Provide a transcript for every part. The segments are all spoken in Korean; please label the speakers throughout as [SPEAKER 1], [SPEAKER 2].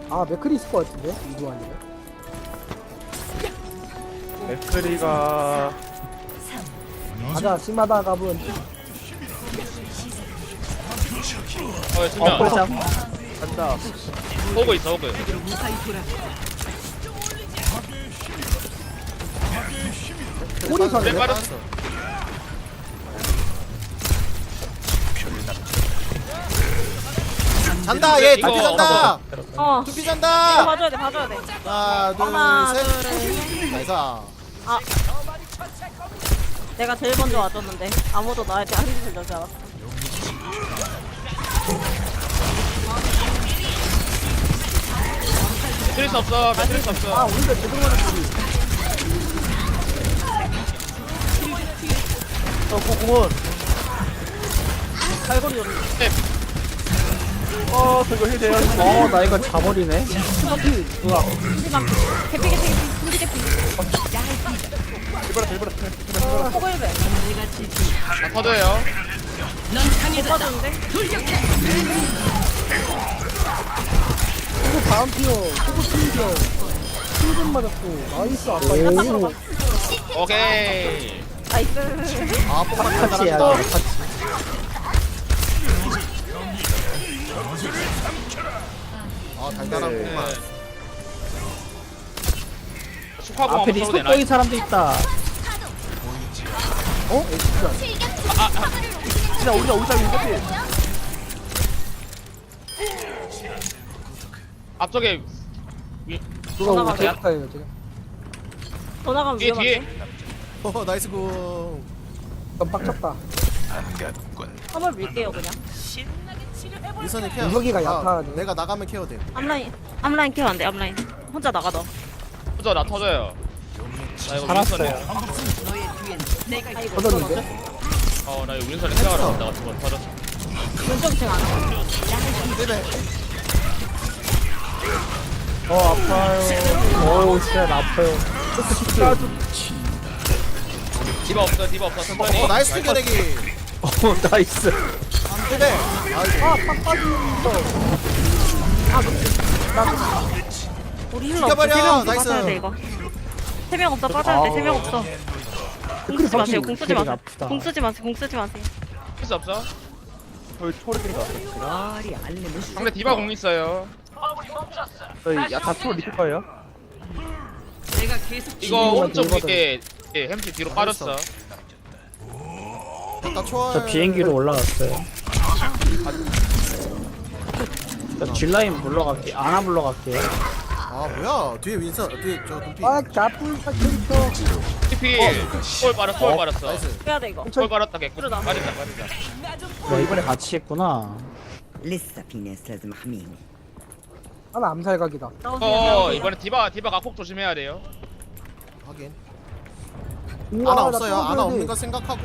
[SPEAKER 1] 아 맥클이 있을 것 같은데 이거 아니에요?
[SPEAKER 2] 맥크리가
[SPEAKER 1] 가자 시마다 가분.
[SPEAKER 3] 수면
[SPEAKER 2] 꿀잠 간다.
[SPEAKER 3] 호그 있어 호그.
[SPEAKER 1] 꼬리
[SPEAKER 3] 그래
[SPEAKER 1] 사네.
[SPEAKER 3] 빠졌어.
[SPEAKER 4] 잔다 얘
[SPEAKER 3] 이거
[SPEAKER 4] 두피 잔다
[SPEAKER 5] 어.
[SPEAKER 4] 두피
[SPEAKER 5] 이거
[SPEAKER 4] 잔다
[SPEAKER 5] 봐줘야 돼, 봐줘야 돼.
[SPEAKER 4] 하나
[SPEAKER 5] 하나,
[SPEAKER 4] 둘셋 나이스
[SPEAKER 5] 내가 제일 먼저 와줬는데 아무도 나한테 한 짓을 넣지 않았어.
[SPEAKER 3] 트리스 없어. 트리스
[SPEAKER 1] 아
[SPEAKER 3] 없어.
[SPEAKER 1] 우리가 제대로 맞은 소리.
[SPEAKER 2] 공은
[SPEAKER 1] 칼거리 였
[SPEAKER 2] 저거 힐 돼요.
[SPEAKER 1] 나 이거 자버리네. 스마피 뭐야?
[SPEAKER 5] 하지만 개피, 군지 개피. 포글배.
[SPEAKER 3] 다 터져요.
[SPEAKER 5] 못 봐줬는데?
[SPEAKER 1] 이거 다음 티어 소고 팀이요. 7분 맞았고 나이스 아빠. 오.
[SPEAKER 3] 오케이.
[SPEAKER 5] 나이스.
[SPEAKER 4] 아 뽀뽀랑
[SPEAKER 1] 같이 해야
[SPEAKER 4] 잘한다
[SPEAKER 1] 돼. 같이.
[SPEAKER 4] 아 달달하구만
[SPEAKER 3] 축하공
[SPEAKER 1] 앞에
[SPEAKER 3] 한번 써도 되나?
[SPEAKER 1] 리스폰 사람도 있다. 어? 진짜.
[SPEAKER 2] 진짜 우리가 우상이 똑같이.
[SPEAKER 3] 앞쪽에
[SPEAKER 1] 누가 오고
[SPEAKER 5] 올라가세요?
[SPEAKER 1] 제가요 제가.
[SPEAKER 5] 더 나가면
[SPEAKER 3] 뒤에
[SPEAKER 5] 위험한데?
[SPEAKER 4] 어 나이스 공
[SPEAKER 1] 넌 빡쳤다.
[SPEAKER 5] 한번 밀게요, 그냥.
[SPEAKER 4] 유선이 케어
[SPEAKER 1] 유석이가 약하네.
[SPEAKER 4] 내가 나가면 케어 돼
[SPEAKER 5] 앞라인 케어 안 돼, 앞라인. 혼자 나가, 너.
[SPEAKER 3] 터져 나 터져요. 나 이거
[SPEAKER 1] 살았어요.
[SPEAKER 3] 윈선에
[SPEAKER 5] 아이고,
[SPEAKER 1] 터졌는데?
[SPEAKER 3] 나 이거 윈선에 생각을 안 한다가 두번 터졌어.
[SPEAKER 5] 왼쪽 층 안 와.
[SPEAKER 4] 네네
[SPEAKER 1] 아파요. 오 진짜 아파요.
[SPEAKER 3] 디바 없어 디바 없어 천천히.
[SPEAKER 4] 나이스 튕겨내기
[SPEAKER 1] 나이스.
[SPEAKER 4] 네네 아이고
[SPEAKER 1] 아팍 빠진다.
[SPEAKER 5] 우리 힐러 없어.
[SPEAKER 4] 죽여버려,
[SPEAKER 5] 3명 없어,
[SPEAKER 4] 나이스.
[SPEAKER 5] 빠져야 돼, 이거. 3명 없어, 빠져야 돼, 3명 없어. 공 쓰지 마세요, 공 쓰지 마세요.
[SPEAKER 1] 아프다.
[SPEAKER 5] 공 쓰지 마세요, 공 쓰지 마세요.
[SPEAKER 3] 트리스 없어?
[SPEAKER 2] 저희 초월이니까.
[SPEAKER 3] 상대 디바 공 있어요.
[SPEAKER 2] 저희 야다 초월 리필 거예요.
[SPEAKER 3] 이거 오른쪽
[SPEAKER 1] 디바다.
[SPEAKER 3] 위에 햄찌 뒤로 빠졌어.
[SPEAKER 4] 나 초월
[SPEAKER 1] 비행기로 올라갔어요. 저 뒷라인 물러갈게. 안아 물러갈게요.
[SPEAKER 4] 아 뭐야 뒤에 윈선 뒤에 저 눈빛
[SPEAKER 1] 아 가뿔사 캐릭터.
[SPEAKER 3] TP 볼 빨았어 볼 빨았어.
[SPEAKER 4] 나이스
[SPEAKER 5] 빼야 돼, 이거.
[SPEAKER 3] 볼 빨았다 개꿀.
[SPEAKER 5] 그러다.
[SPEAKER 3] 빠진다.
[SPEAKER 1] 이번에 같이 했구나.
[SPEAKER 6] لسه في ناس لازم احميهم.
[SPEAKER 1] 하나 암살각이다.
[SPEAKER 5] 나오세요.
[SPEAKER 3] 이번에 디바 각폭 조심해야 돼요.
[SPEAKER 4] 확인
[SPEAKER 1] 우와,
[SPEAKER 4] 아나
[SPEAKER 1] 나
[SPEAKER 4] 없어요
[SPEAKER 1] 또
[SPEAKER 4] 아나
[SPEAKER 1] 줘야
[SPEAKER 4] 없는
[SPEAKER 1] 돼.
[SPEAKER 4] 거 생각하고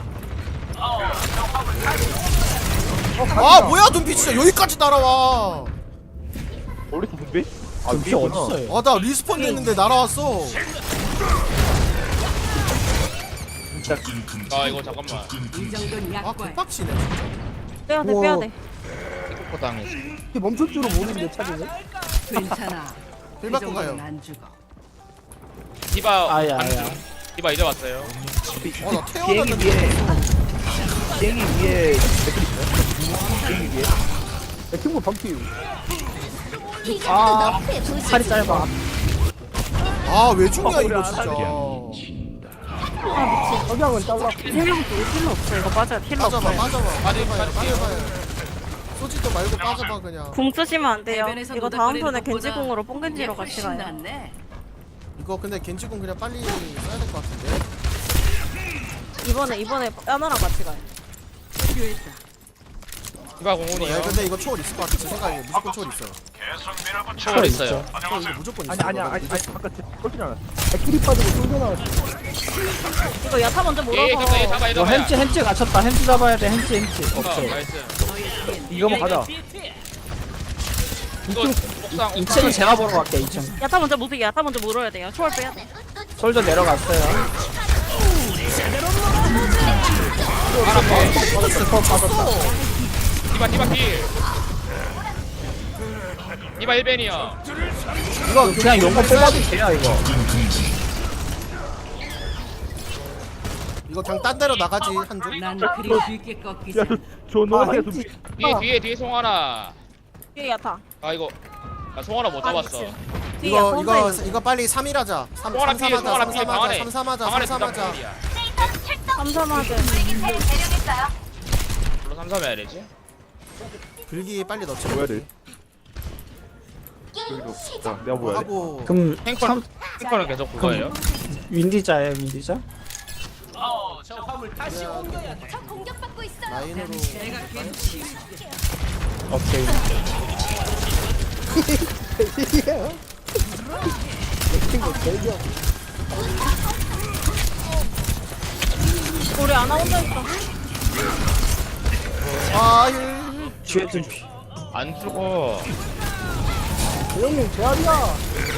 [SPEAKER 1] 가자.
[SPEAKER 4] 아 뭐야 눈빛 진짜 여기까지 따라와
[SPEAKER 2] 우리 준비?
[SPEAKER 1] 비 어딨어요?
[SPEAKER 4] 아 나 리스폰 됐는데 날아왔어
[SPEAKER 3] 이거 잠깐만.
[SPEAKER 4] 아 개빡치네 진짜
[SPEAKER 5] 빼야 돼,
[SPEAKER 1] 우와.
[SPEAKER 5] 빼야 돼.
[SPEAKER 3] 폭포 당했어.
[SPEAKER 1] 이게 멈출 줄은 모르는데 차지네.
[SPEAKER 6] 괜찮아.
[SPEAKER 4] 힐 받고 가요
[SPEAKER 6] 안 죽어.
[SPEAKER 3] 디바
[SPEAKER 1] 아야,
[SPEAKER 3] 가는
[SPEAKER 1] 아야.
[SPEAKER 3] 중. 디바 이제 왔어요.
[SPEAKER 4] 어나 태어났는데
[SPEAKER 2] 비행기 위에 맥크리 있어요? 비행기 위에.
[SPEAKER 1] 내 친구 범피. 아 팔이 짧아.
[SPEAKER 4] 아 왜 죽냐 이거 진짜
[SPEAKER 1] 석양은 잘랐고.
[SPEAKER 5] 3명 중에 힐러 없어, 이거 빠져야 돼, 힐러
[SPEAKER 4] 빠져봐
[SPEAKER 5] 없어요.
[SPEAKER 4] 빠져봐
[SPEAKER 3] 빠지,
[SPEAKER 4] 빠져봐요
[SPEAKER 3] 빠지.
[SPEAKER 4] 빠져봐요 쏘지도 말고 빠져봐 그냥
[SPEAKER 5] 공 쓰시면 안 돼요.
[SPEAKER 6] 해변에서
[SPEAKER 5] 이거 다음
[SPEAKER 6] 노닥거리는
[SPEAKER 5] 턴에
[SPEAKER 6] 것보다
[SPEAKER 5] 겐지공으로 뽕겐지로 같이
[SPEAKER 6] 훨씬
[SPEAKER 5] 가요.
[SPEAKER 6] 낫네.
[SPEAKER 4] 이거 근데 겐지군 그냥 빨리 써야 될 것 같은데
[SPEAKER 5] 이번에 야나랑 같이 가요.
[SPEAKER 3] 디바 공원이요.
[SPEAKER 4] 야 근데 이거 초월 있을 것 같아 제 생각에 무조건 초월 있어요
[SPEAKER 3] 초월 있어요.
[SPEAKER 4] 초월 이거 무조건 있어
[SPEAKER 2] 아니 아까 꼴찌 않았어.
[SPEAKER 1] 백킬이 빠지고 쏠져 나왔어.
[SPEAKER 5] 이거 야타 먼저
[SPEAKER 3] 얘
[SPEAKER 5] 물어서
[SPEAKER 3] 잡아 얘 잡아 얘 잡아.
[SPEAKER 1] 햄찌 갇혔다. 햄찌 잡아야 돼. 햄찌. 오케이.
[SPEAKER 3] 나이스.
[SPEAKER 2] 이거만 가자.
[SPEAKER 3] 이거 옥상
[SPEAKER 1] 2층은 제가 보러 갈게. 2층.
[SPEAKER 5] 야타 먼저 무색이 야타 먼저 물어야 돼요. 초월 빼야 돼.
[SPEAKER 1] 솔저 내려갔어요.
[SPEAKER 3] 하나 빼.
[SPEAKER 1] 스포 빠졌다.
[SPEAKER 3] 디바 필. 디바 1벤이야.
[SPEAKER 4] 이거
[SPEAKER 2] 그냥 용거 뽑아도 돼요 이거.
[SPEAKER 4] 이거 그냥 딴 데로 나가지 한조.
[SPEAKER 6] 난 그리 쉽게 꺾이지 않아.
[SPEAKER 2] 야저 노란색 좀.
[SPEAKER 3] 뒤에 송하나.
[SPEAKER 5] 뒤에 야타.
[SPEAKER 3] 아 이거. 나 송하나 못 잡았어.
[SPEAKER 5] 뒤에 야타
[SPEAKER 4] 이거 빨리 3일 하자. 3
[SPEAKER 3] 송하나 피해, 송하나
[SPEAKER 4] 3
[SPEAKER 3] 피해,
[SPEAKER 4] 3
[SPEAKER 3] 방 안에.
[SPEAKER 4] 하자. 3 3 하자.
[SPEAKER 3] 방 안에
[SPEAKER 4] 3 3 하자.
[SPEAKER 3] 필이야.
[SPEAKER 5] 삼삼하게.
[SPEAKER 3] 물론 3, 3 해야 되지.
[SPEAKER 4] 불기 빨리 넣자.
[SPEAKER 2] 뭐 해야 돼? 여기도. 자 내가 뭐 해야 돼?
[SPEAKER 4] 하고
[SPEAKER 7] 그럼
[SPEAKER 3] 탱커는 계속 그거예요.
[SPEAKER 7] 윈디자예요, 윈디자?
[SPEAKER 4] 라인으로
[SPEAKER 7] 오케이.
[SPEAKER 5] 우리 아나 혼자 있어.
[SPEAKER 4] 힐.
[SPEAKER 7] 뒤에 둔피.
[SPEAKER 3] 안 죽어.
[SPEAKER 1] 형님 제압이야.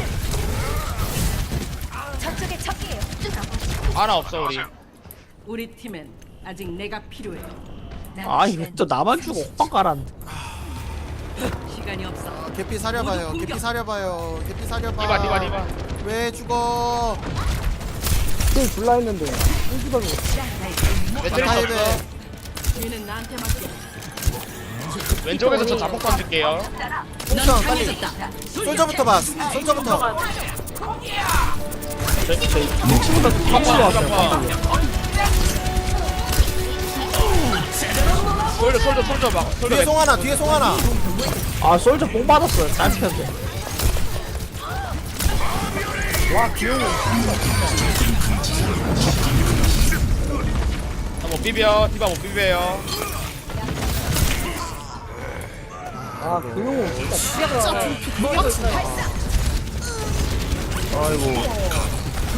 [SPEAKER 3] 하나 없어 우리.
[SPEAKER 6] 우리 팀엔 아직 내가 필요해. 난
[SPEAKER 7] 아, 이거 또 나만 주고 호빵 깔았는데.
[SPEAKER 6] 시간이 없어.
[SPEAKER 4] 개피 사려봐요. 개피 사려봐요. 개피 사려봐.
[SPEAKER 3] 디바.
[SPEAKER 4] 왜 죽어?
[SPEAKER 1] 힐 줄라 했는데. 힐기가
[SPEAKER 3] 매트리스
[SPEAKER 4] 타입에
[SPEAKER 3] 없어.
[SPEAKER 6] 얘는 나한테 맡겨.
[SPEAKER 3] 왼쪽에서 저 자폭 던질게요.
[SPEAKER 4] 풍선 빨리. 솔저부터 봐. 솔저부터.
[SPEAKER 3] 솔저 막.
[SPEAKER 4] 뒤에 송하나. 뒤에 송하나.
[SPEAKER 7] 아, 솔저 뽕 받았어요. 짧게.
[SPEAKER 3] 못 비벼. 디바 못 비벼요.
[SPEAKER 1] 아, 그 형은 진짜 피자가.
[SPEAKER 2] 아이고.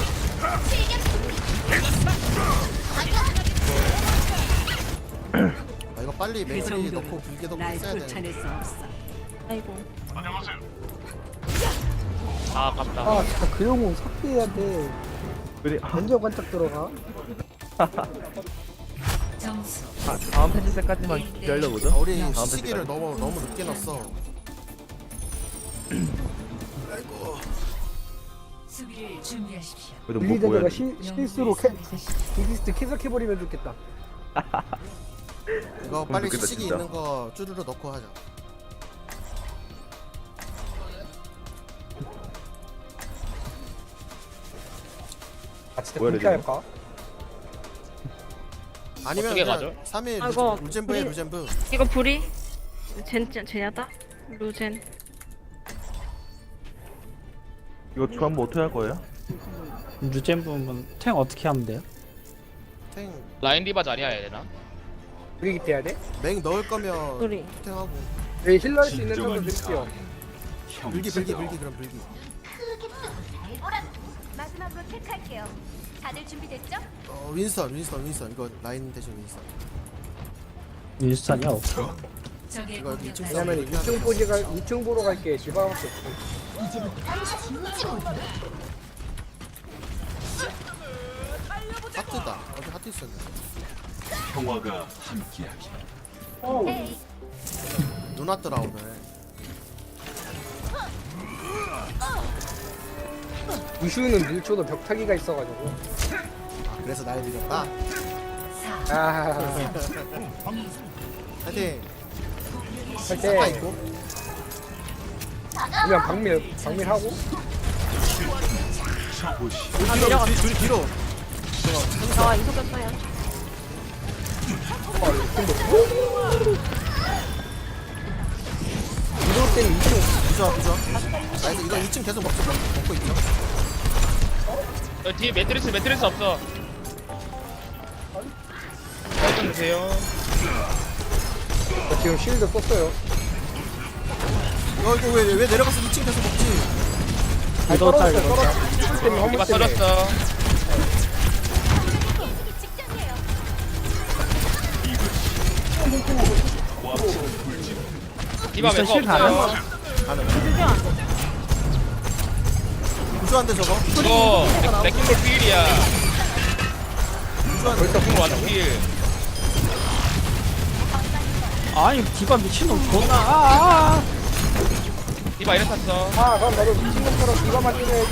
[SPEAKER 4] 아, 이거 빨리
[SPEAKER 6] 그
[SPEAKER 4] 맥스리
[SPEAKER 6] 정도로
[SPEAKER 4] 넣고 불기 넣고
[SPEAKER 6] 날
[SPEAKER 4] 있어야 돼.
[SPEAKER 6] 쫓아낼 수 없어.
[SPEAKER 5] 아이고.
[SPEAKER 3] 아 아깝다.
[SPEAKER 1] 아, 진짜 그 형은 삭제해야 돼.
[SPEAKER 2] 그래.
[SPEAKER 1] 먼저 관짝 들어가.
[SPEAKER 6] 점수
[SPEAKER 2] 다음 패치 때까지만 기다려보죠.
[SPEAKER 4] 우리
[SPEAKER 2] 다음
[SPEAKER 4] 시기를
[SPEAKER 2] 패치까지.
[SPEAKER 4] 너무 늦게 넣었어.
[SPEAKER 6] 수비를 준비하십시오.
[SPEAKER 2] 그래도 뭐 해야
[SPEAKER 1] 빌리자가
[SPEAKER 2] 돼?
[SPEAKER 1] 실수로 디기스트 쾌삭해버리면 좋겠다.
[SPEAKER 4] 이거 빨리
[SPEAKER 2] 좋겠다,
[SPEAKER 4] 시기
[SPEAKER 2] 진짜.
[SPEAKER 4] 있는 거 쭈르르 넣고 하자.
[SPEAKER 1] 아, 진짜
[SPEAKER 2] 뭐야,
[SPEAKER 1] 그렇게 할까?
[SPEAKER 4] 아니면
[SPEAKER 3] 어떻게
[SPEAKER 4] 그냥
[SPEAKER 3] 가죠?
[SPEAKER 4] 3일
[SPEAKER 5] 아이고,
[SPEAKER 4] 루젠브에
[SPEAKER 5] 우리-
[SPEAKER 4] 루젠브.
[SPEAKER 5] 이거 불이? 쟤냐다? 루젠.
[SPEAKER 2] 이거 저 한번 어떻게 할 거예요?
[SPEAKER 7] 유잼 부분 탱 어떻게 하면 돼요?
[SPEAKER 4] 탱
[SPEAKER 3] 라인 디바 자리야 해야 되나?
[SPEAKER 1] 브리기 돼야 돼?
[SPEAKER 4] 맥 넣을 거면
[SPEAKER 5] 우리.
[SPEAKER 4] 탱하고
[SPEAKER 1] 네, 힐러 할 수 있는 정도 드릴게요.
[SPEAKER 4] 불기 그럼 불기.
[SPEAKER 8] 마지막으로 체크할게요. 다들 준비됐죠?
[SPEAKER 4] 윈스턴 이거 라인 대신 윈스턴.
[SPEAKER 7] 윈스턴이야? 오케이.
[SPEAKER 6] 적의
[SPEAKER 4] 이거 여기 2층
[SPEAKER 1] 왜냐면 2층 보러 갈게 지방밖에 없어.
[SPEAKER 4] 하트다. 어디 하트 있었네.
[SPEAKER 8] 에이,
[SPEAKER 4] 눈 왔더라 오늘.
[SPEAKER 1] 우슈는 밀초도 벽타기가 있어가지고.
[SPEAKER 4] 그래서 날 믿었다.
[SPEAKER 1] 아,
[SPEAKER 4] 하여튼
[SPEAKER 1] 할
[SPEAKER 4] 사파
[SPEAKER 1] 때
[SPEAKER 4] 있고.
[SPEAKER 1] 그냥 박밀하고.
[SPEAKER 4] 뒤로.
[SPEAKER 5] 아, 이속였어요.
[SPEAKER 1] 이럴 때는 2층
[SPEAKER 4] 부좋아. 나이스. 이거 2층 계속 먹고 있죠.
[SPEAKER 3] 뒤에 매트리스 없어. 살좀 주세요.
[SPEAKER 1] 저 지금 실드 썼어요.
[SPEAKER 4] 이거 왜 내려가서 2층 계속 먹지?
[SPEAKER 1] 아니, 떨어졌어요. 떨어졌어요. 때문에
[SPEAKER 3] 디바
[SPEAKER 1] 화물 때문에.
[SPEAKER 3] 터졌어.
[SPEAKER 8] 직전이에요.
[SPEAKER 3] 디바 멤버
[SPEAKER 7] 실
[SPEAKER 3] 없어요.
[SPEAKER 4] 부좋한데 저거.
[SPEAKER 3] 이거 레킹볼 필이야.
[SPEAKER 4] 부좋한데.
[SPEAKER 3] 레킹볼 완전 필.
[SPEAKER 7] 아니, 디바 미친놈 존나.
[SPEAKER 3] 디바 이래 탔어.
[SPEAKER 1] 아 그럼 나도 미친놈처럼 이거만 찍어야지.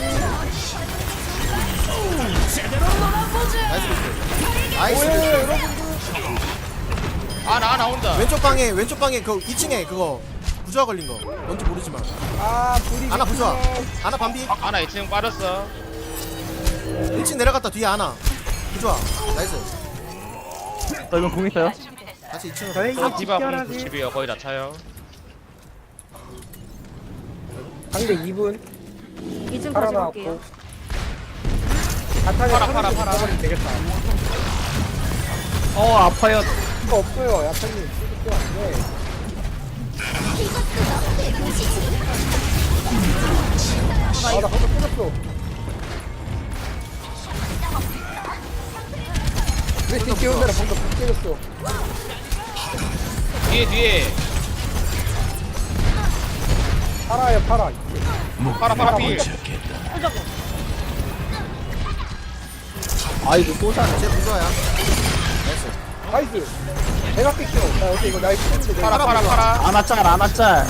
[SPEAKER 4] 나이스 비트. 나이스
[SPEAKER 1] 뭐예요
[SPEAKER 4] 비트.
[SPEAKER 1] 여러분들.
[SPEAKER 3] 아나 혼자.
[SPEAKER 4] 왼쪽 방에 그 2층에 그거 부조화 걸린 거 뭔지 모르지만
[SPEAKER 1] 아 불이.
[SPEAKER 4] 아나 부조화. 아나 반비.
[SPEAKER 3] 아나 2층 빠졌어.
[SPEAKER 4] 1층 내려갔다 뒤에 아나 부조화. 나이스.
[SPEAKER 2] 저 이건 공 있어요?
[SPEAKER 4] 다시 2층으로.
[SPEAKER 1] 저희
[SPEAKER 3] 저 디바 공
[SPEAKER 1] 집결하지.
[SPEAKER 3] 90이요. 거의 다 차요.
[SPEAKER 1] 상대 2분.
[SPEAKER 5] 2층
[SPEAKER 1] 팔아
[SPEAKER 5] 가지고
[SPEAKER 1] 나왔고.
[SPEAKER 5] 올게요.
[SPEAKER 1] 팔아. 되겠다.
[SPEAKER 7] 아파요.
[SPEAKER 1] 이거 없어요 야타님. 이거 안 돼. 아나 방금 끊었어. 왜 뒤에 온다라 방금 못 때렸어.
[SPEAKER 3] 뒤에.
[SPEAKER 1] 팔아요 팔아.
[SPEAKER 3] 파라 필.
[SPEAKER 7] 아이고 또 사네.
[SPEAKER 4] 제 부조화야.
[SPEAKER 1] 나이스. 내가 뺏겨. 나 어때 이거 나이스 했는데 내가.
[SPEAKER 3] 파라.
[SPEAKER 7] 아나짤.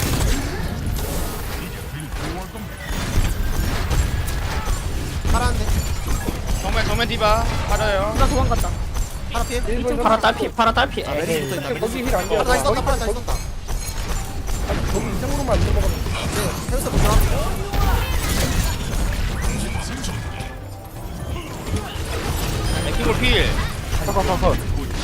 [SPEAKER 4] 파란데.
[SPEAKER 3] 정면 디바 빠져요.
[SPEAKER 5] 나 도망갔다.
[SPEAKER 4] 파라 피해.
[SPEAKER 1] 일본
[SPEAKER 7] 파라 딸피. 에이.
[SPEAKER 1] 거기 힐안 돼.
[SPEAKER 4] 파라 다시 떴다. 파라 다시 떴다.
[SPEAKER 1] 거기 이상으로만 안 넘어가면.
[SPEAKER 4] 네. 헤어스 부조화.
[SPEAKER 3] 레킹볼 필.
[SPEAKER 2] 컷.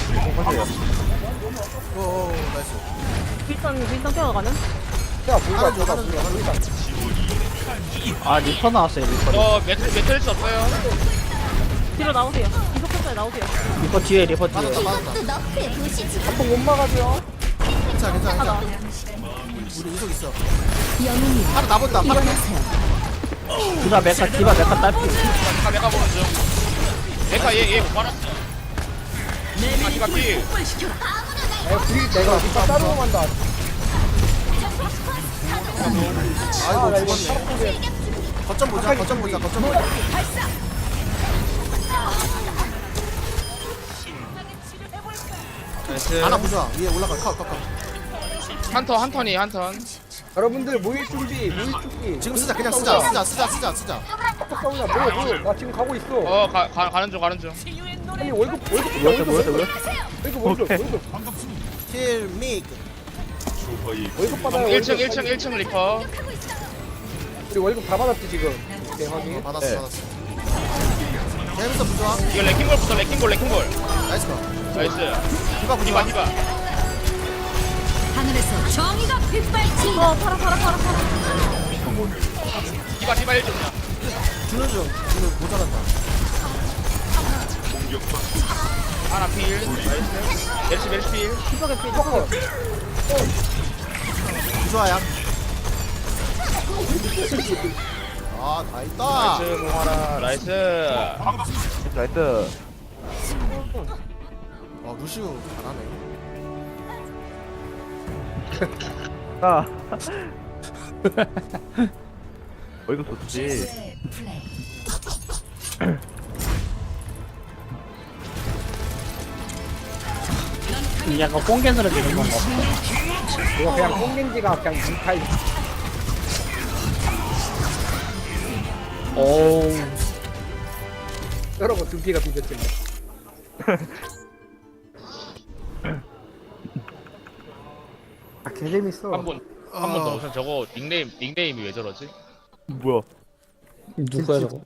[SPEAKER 4] 오 나이스.
[SPEAKER 5] 윈선 케어 가는?
[SPEAKER 1] 자 불가
[SPEAKER 4] 하는 중,
[SPEAKER 1] 불가
[SPEAKER 4] 하는 중, 하는
[SPEAKER 1] 불가.
[SPEAKER 7] 아 리퍼 나왔어요 리퍼.
[SPEAKER 3] 저 매트리스 없어요.
[SPEAKER 5] 뒤로 나오세요. 이속 패스에 나오세요.
[SPEAKER 7] 리퍼 뒤에.
[SPEAKER 4] 맞았다.
[SPEAKER 1] 한번 못 막아줘요.
[SPEAKER 4] 괜찮아. 우리 이속 있어. 파라 나본다. 파라 피해.
[SPEAKER 7] 디바 메카 딸피.
[SPEAKER 3] 내가 보는 중. 얘못 받았어. 디바 필.
[SPEAKER 1] 내가 이따 따로 간다.
[SPEAKER 4] 아이고
[SPEAKER 1] 나 이거
[SPEAKER 4] 죽었네. 거점 보자.
[SPEAKER 3] 나이스.
[SPEAKER 4] 아나 부조화. 위에 올라가. 컷.
[SPEAKER 3] 한 턴이 한 턴.
[SPEAKER 1] 여러분들 모일 준비.
[SPEAKER 4] 지금 쓰자. 그냥 쓰자.
[SPEAKER 1] 싸우냐 모여. 나 지금 가고 있어.
[SPEAKER 3] 가는 중.
[SPEAKER 1] 아니 월급
[SPEAKER 2] 오케이.
[SPEAKER 4] 킬 믹.
[SPEAKER 1] 월급 받아요.
[SPEAKER 3] 1층 리퍼.
[SPEAKER 1] 우리 월급 다 받았지 지금. 오케이 확인.
[SPEAKER 4] 받았어.
[SPEAKER 2] 네.
[SPEAKER 4] 재밌어 부조화.
[SPEAKER 3] 이거 레킹볼부터 레킹볼.
[SPEAKER 4] 나이스 거.
[SPEAKER 3] 나이스.
[SPEAKER 4] 디바 부조화.
[SPEAKER 3] 디바.
[SPEAKER 6] 하늘에서 정의가 빗발치.
[SPEAKER 5] 팔아.
[SPEAKER 3] 디바 1점.
[SPEAKER 4] 주는 중. 오늘 모자란다.
[SPEAKER 3] 하나 필. 나이스. 메르시 필.
[SPEAKER 5] 뒤쪽에 필.
[SPEAKER 4] 부조화야. 다 있다.
[SPEAKER 3] 나이스 모하라. 나이스.
[SPEAKER 2] 나이스.
[SPEAKER 4] 루시우 잘하네.
[SPEAKER 2] 아. 이거 좋지.
[SPEAKER 7] 약간 꽁겐으로 되는 건가?
[SPEAKER 1] 이거 그냥 꽁겐지가 그냥 뭉타이.
[SPEAKER 7] 오.
[SPEAKER 1] 여러분 두피가 비벼집니다. 아 개재밌어.
[SPEAKER 3] 한 번 더. 우선 저거 닉네임이 왜 저러지?
[SPEAKER 2] 뭐야?
[SPEAKER 7] 누구야 저거?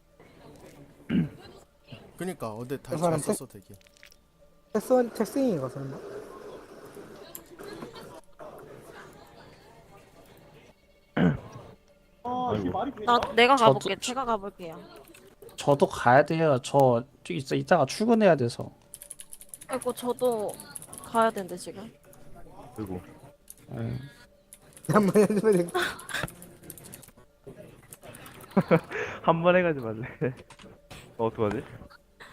[SPEAKER 4] 그니까 어제 다시
[SPEAKER 1] 사람
[SPEAKER 4] 잘 썼어 되게.
[SPEAKER 1] 책생인가 설마?
[SPEAKER 5] 내가
[SPEAKER 7] 저도-
[SPEAKER 5] 가볼게. 제가 가볼게요.
[SPEAKER 7] 저도 가야 돼요. 저 이따가 출근해야 돼서.
[SPEAKER 5] 아이고 저도 가야 되는데 지금.
[SPEAKER 2] 그리고
[SPEAKER 7] 예.
[SPEAKER 1] 한번 해주면 돼.
[SPEAKER 2] 한 번 해가지고 말래. 어떡하지?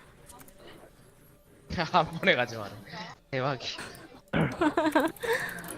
[SPEAKER 3] 한 번에 가지 마라. 대박이.